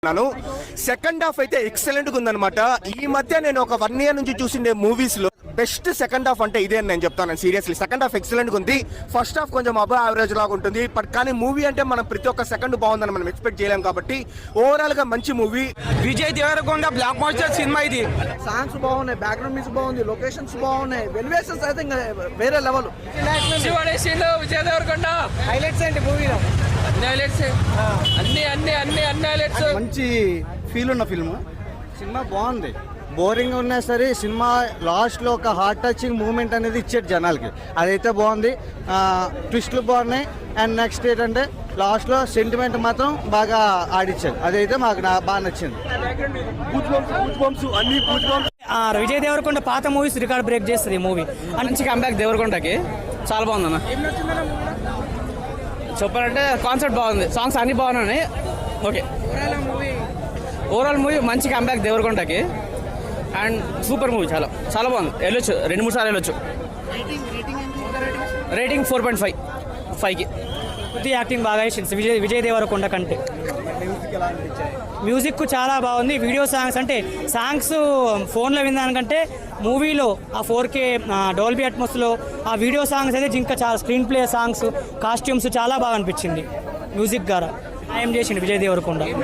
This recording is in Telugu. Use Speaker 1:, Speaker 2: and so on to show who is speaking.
Speaker 1: సెకండ్ హాఫ్ అయితే ఎక్సలెంట్ గా ఉందన్నమాట. ఈ మధ్య నేను ఒక 1 year నుంచి చూసిండే మూవీస్ లో బెస్ట్ సెకండ్ హాఫ్ అంటే ఇదే అని నేను చెప్తాను. సీరియస్లీ సెకండ్ హాఫ్ ఎక్సలెంట్ గా ఉంది. ఫస్ట్ హాఫ్ కొంచెం అబవ్ యావరేజ్ లాగా ఉంటుంది. బట్ కానీ మూవీ అంటే మనం ప్రతి ఒక్క సెకండ్ బాగుందని మనం ఎక్స్పెక్ట్ చేయలేం కాబట్టి ఓవరాల్ గా మంచి movie.
Speaker 2: Vijay Deverakonda blockbuster సినిమా ఇది.
Speaker 3: సాంగ్స్ బాగున్నాయి, బ్యాక్గ్రౌండ్ మ్యూజిక్ బాగుంది, లొకేషన్స్ బాగున్నాయి, ఎలివేషన్స్ అయితే ఇంకా వేరే లెవెల్.
Speaker 2: విజయ్ దేవరకొండ హైలైట్స్ ఏంటి మూవీలో? అన్ని హైలైట్స్.
Speaker 3: మంచి ఫీల్ ఉన్న ఫిల్మ్. సినిమా బాగుంది. బోరింగ్ ఉన్నా సరే సినిమా లాస్ట్లో ఒక హార్ట్ టచింగ్ మూమెంట్ అనేది ఇచ్చాడు జనాలకి. అదైతే బాగుంది. ట్విస్ట్లు బాగున్నాయి. అండ్ నెక్స్ట్ ఏంటంటే లాస్ట్లో సెంటిమెంట్ మాత్రం బాగా ఆడిచ్చాడు. అదైతే మాకు బాగా నచ్చింది.
Speaker 4: విజయ్ దేవరకొండ పాత మూవీస్ రికార్డ్ బ్రేక్ చేస్తుంది ఈ మూవీ.
Speaker 2: మంచి కంబ్యాక్ దేవరకొండకి. చాలా బాగుందన్న. చెప్పాలంటే కాన్సెప్ట్ బాగుంది, సాంగ్స్ అన్ని బాగున్నాయి. ఓకే, ఓవరాల్ మూవీ మంచి కంబ్యాక్ దేవరకొండకి. అండ్ సూపర్ మూవీ, చాలా చాలా బాగుంది. వెళ్ళొచ్చు, 2-3 సార్లు వెళ్ళొచ్చు. రేటింగ్ 4.5కి.
Speaker 4: యాక్టింగ్ బాగా వేసింది విజయ్ దేవరకొండ కంటే. మ్యూజిక్ చాలా బాగుంది. వీడియో సాంగ్స్ అంటే సాంగ్స్ ఫోన్లో వినడానికంటే మూవీలో ఆ 4K డాల్బీ అట్మాస్లో ఆ వీడియో సాంగ్స్ అయితే ఇంకా చాలా స్క్రీన్ ప్లే సాంగ్స్, కాస్ట్యూమ్స్ చాలా బాగా అనిపించింది. మ్యూజిక్ ద్వారా ఏం చేసిండు విజయ్ దేవరకొండ.